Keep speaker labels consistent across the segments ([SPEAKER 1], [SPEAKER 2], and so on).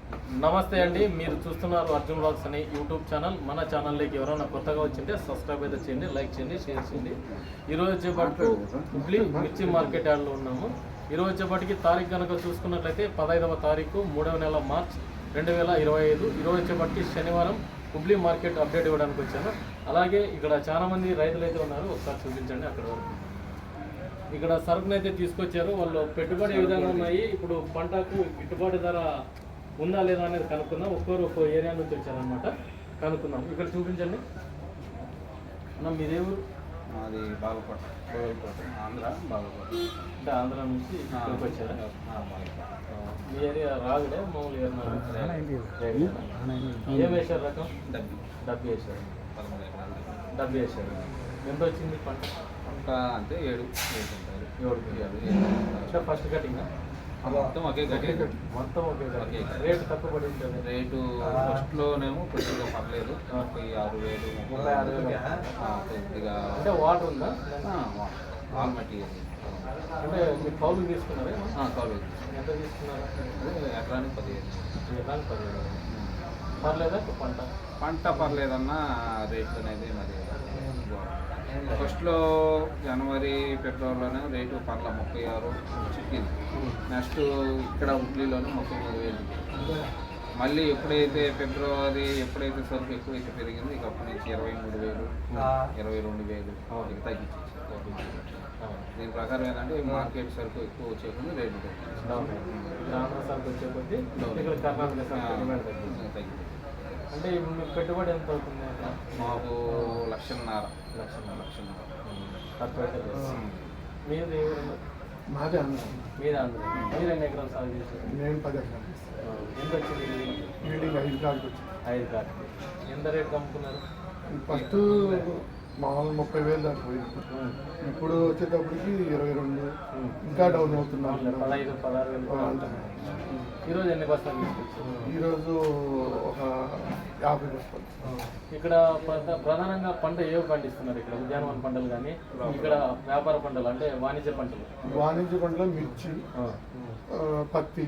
[SPEAKER 1] నమస్తే అండి, మీరు చూస్తున్నారు అర్జున్ వ్లాగ్స్ అనే యూట్యూబ్ ఛానల్. మన ఛానల్లోకి ఎవరైనా కొత్తగా వచ్చింటే సబ్స్క్రైబ్ అయితే చేయండి, లైక్ చేయండి, షేర్ చేయండి. ఈరోజు వచ్చేపట్టు హుబ్లీ మిర్చి మార్కెట్ యార్డ్లో ఉన్నాము. ఈరోజు వచ్చేపటికి తారీఖు కనుక చూసుకున్నట్లయితే 15వ తారీఖు 3వ నెల మార్చ్ 2025. ఈరోజు వచ్చేపటికి శనివారం హుబ్లీ మార్కెట్ అప్డేట్ ఇవ్వడానికి వచ్చాను. అలాగే ఇక్కడ చాలామంది రైతులు అయితే ఉన్నారు, ఒకసారి చూపించండి. అక్కడ వరకు ఇక్కడ సరుకునైతే తీసుకొచ్చారు. వాళ్ళు పెట్టుబడి ఏ విధంగా ఉన్నాయి, ఇప్పుడు పంటకు గిట్టుబాటు ధర ఉందా లేదా అనేది కనుక్కుందాం. ఒక్కో ఏరియా నుంచి వచ్చారనమాట, కనుక్కుందాం. ఇక్కడ చూపించండి అన్న, మీదేవు?
[SPEAKER 2] అది బాగపట ఆంధ్ర బాగపట.
[SPEAKER 1] అంటే ఆంధ్ర నుంచి ఇక్కడికి వచ్చారా? మీ ఏరియా రాగుడే మామూలు ఏం వేశారు రకం? డబ్బి వేశారు.
[SPEAKER 2] 13 ఎకరాలు
[SPEAKER 1] డబ్బి వేశారు. ఎంత వచ్చింది పంట?
[SPEAKER 2] పంట అంటే 7
[SPEAKER 1] అంటే ఫస్ట్ కటింగ్
[SPEAKER 2] మొత్తం ఒకే కటింగ్.
[SPEAKER 1] మొత్తం ఒకే కటింగ్. రేటు తక్కువ పడి ఉంటుంది.
[SPEAKER 2] రేటు ఫస్ట్లోనేమో కొద్దిగా పర్లేదు, 36,000 కొద్దిగా.
[SPEAKER 1] అంటే వాటర్ ఉందా?
[SPEAKER 2] All material.
[SPEAKER 1] అంటే మీరు కౌలు తీసుకున్నారా?
[SPEAKER 2] కౌలు.
[SPEAKER 1] ఎంత తీసుకున్నారు?
[SPEAKER 2] ఎకరానికి 15.
[SPEAKER 1] ఎకరానికి 15. పర్లేదా పంట?
[SPEAKER 2] పర్లేదన్నా రేట్లు అనేది మరి ఫస్ట్లో జనవరి ఫిబ్రవరిలోనే రేటు పర్ల 36 చిక్కింది. నెక్స్ట్ ఇక్కడ హుబ్లీలోనే 33,000. మళ్ళీ ఎప్పుడైతే ఫిబ్రవరి సరుకు ఎక్కువైతే పెరిగింది, ఇక అప్పటి నుంచి 23,000, 22,000 ఇక తగ్గించేసి. దీని ప్రకారం ఏంటంటే మార్కెట్ సరుకు ఎక్కువ వచ్చేకుండా రేటు తగ్గింది.
[SPEAKER 1] అంటే మీకు పెట్టుబడి ఎంత అవుతుంది?
[SPEAKER 2] మాకు 1,00,000.
[SPEAKER 1] మీది
[SPEAKER 3] మాదే ఆంధ్ర.
[SPEAKER 1] మీరు ఆంధ్ర. మీరు ఎన్ని ఎకరాలు సాగు చేశారు?
[SPEAKER 3] నేను 10 ఎకరాలు.
[SPEAKER 1] ఎంత వచ్చింది?
[SPEAKER 3] బిల్డింగ్ 5 కార్డుకి వచ్చింది.
[SPEAKER 1] 5 కార్డు. ఎంత రేటు అమ్ముకున్నారు?
[SPEAKER 3] ఫస్ట్ మామూలు 30,000 దాకా పోయింది. ఇప్పుడు వచ్చేటప్పటికి 22, ఇంకా డౌన్ అవుతున్నాం.
[SPEAKER 1] 15, 16,000. ఈరోజు ఎన్ని బస్తాలు తీసుకొచ్చారు?
[SPEAKER 3] ఈరోజు ఒక 50 బస్తాలు.
[SPEAKER 1] ఇక్కడ ప్రధానంగా పంట ఏవి పండిస్తున్నారు? ఇక్కడ ఉద్యానవన పంటలు కానీ, ఇక్కడ వ్యాపార పంటలు అంటే వాణిజ్య పంటలు?
[SPEAKER 3] వాణిజ్య పంటలు మిర్చి, పత్తి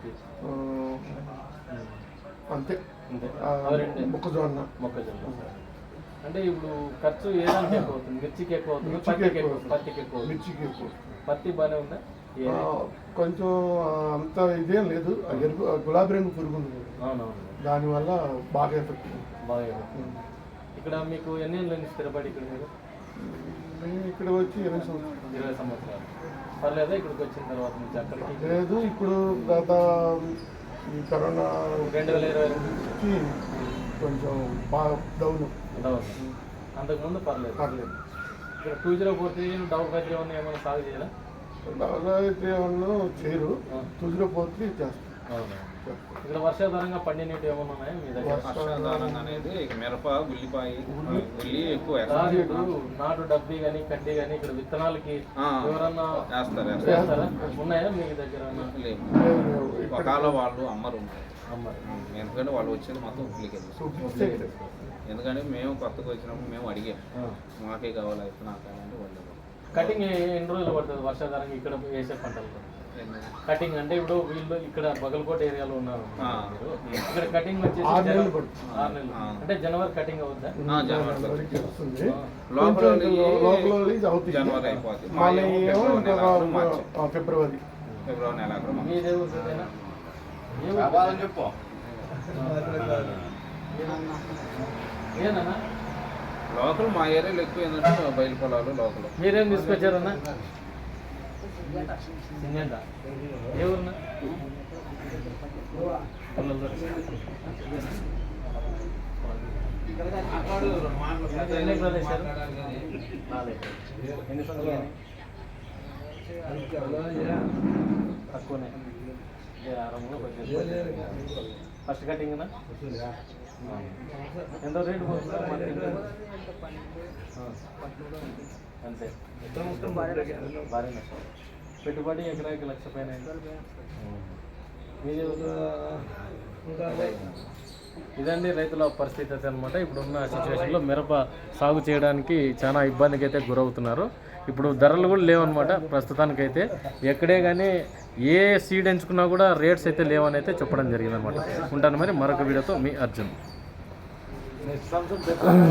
[SPEAKER 3] అంతే. మొక్కజొన్న.
[SPEAKER 1] అంటే ఇప్పుడు ఖర్చు ఏ దానికి ఎక్కువ అవుతుంది? మిర్చికి ఎక్కువ అవుతుంది, పత్తికి ఎక్కువ?
[SPEAKER 3] మిర్చికి ఎక్కువ.
[SPEAKER 1] పత్తి బాగానే ఉందా?
[SPEAKER 3] కొంచెం అంత ఇదేం లేదు. గులాబీ రంగు పురుగు ఉంది, దానివల్ల బాగా ఎఫెక్ట్.
[SPEAKER 1] బాగా. ఇక్కడ మీకు ఎన్ని ఏళ్ళు స్థిరపడి ఇక్కడ?
[SPEAKER 3] మేము ఇక్కడ వచ్చి
[SPEAKER 1] 20 సంవత్సరాలు. పర్లేదా ఇక్కడికి వచ్చిన తర్వాత నుంచి? అక్కడికి
[SPEAKER 3] లేదు. ఇప్పుడు గత ఈ కరోనా
[SPEAKER 1] 2020
[SPEAKER 3] నుంచి కొంచెం బాగా డౌన్.
[SPEAKER 1] అంతకుముందు పర్లేదు. ఇక్కడ 2043 డౌన్ ఫైట్ ఏమైనా సాగు చేయాలా?
[SPEAKER 3] అయితే ఏమన్నా చేయరు. 2043 చేస్తారు.
[SPEAKER 1] ఇక్కడ వర్షాధారంగా పండినట్టు ఏమన్నా ఉన్నాయా మీ దగ్గర?
[SPEAKER 2] వర్షాధారంగా అనేది మిరప, ఉల్లిపాయ, ఉల్లి ఎక్కువ
[SPEAKER 1] నాటు డబ్బి కానీ కడ్డీ కానీ ఇక్కడ విత్తనాలకి ఎవరన్నా
[SPEAKER 2] వేస్తారా?
[SPEAKER 1] ఉన్నాయా మీ దగ్గర?
[SPEAKER 2] ఒకవేళ వాళ్ళు అమ్మరు. ఎందుకంటే వాళ్ళు వచ్చేది మొత్తం ఉప్లికి. ఎందుకంటే మేము కొత్తగా వచ్చినప్పుడు మేము అడిగాం, మాకే కావాలి విత్తనాలు కావాలంటే వాళ్ళు.
[SPEAKER 1] కటింగ్ ఎన్ని రోజులు పడుతుంది వర్షాధారంగా ఇక్కడ వేసే పంటలు? కటింగ్ అంటే ఇప్పుడు వీళ్ళు ఇక్కడ బగల్కోట ఏరియాలో ఉన్నారు, ఇక్కడ కటింగ్ వచ్చేసి 6 నెలలు. అంటే జనవరి కటింగ్ అవుద్దా?
[SPEAKER 2] జనవరి అయిపోతుంది,
[SPEAKER 3] ఫిబ్రవరి
[SPEAKER 2] నెలాఖరు.
[SPEAKER 1] మీదే
[SPEAKER 2] చెప్పు.
[SPEAKER 1] ఏనా
[SPEAKER 2] లోకల్ మా ఏరియాలో ఎక్కువ ఏంటంటే బయలు పొలాలు లోకల్.
[SPEAKER 1] మీరేం తీసుకొచ్చారన్నా? సిమెంటా? ఏ ఊరున్నా? ఎన్ని ఎకరాలు వేశారు? 4 ఎకరాలు. ఎన్ని సంవత్సరాలు? తక్కువనే. ఫస్ట్ కటింగ్నా? ఎంత రేటు పోతుంది? అంతే. భారీ నష్టం. పెట్టుబడి ఎకరాకి 1,00,000 పైన. మీది ఇదండి రైతుల పరిస్థితి అయితే అనమాట. ఇప్పుడున్న సిచ్యువేషన్లో మిరప సాగు చేయడానికి చాలా ఇబ్బందికి అయితే గురవుతున్నారు. ఇప్పుడు ధరలు కూడా లేవన్నమాట ప్రస్తుతానికైతే. ఎక్కడే కానీ ఏ సీడ్ ఎంచుకున్నా కూడా రేట్స్ అయితే లేవని అయితే చెప్పడం జరిగిందనమాట. ఉంటాను మరి మరొక వీడియోతో మీ అర్జున్.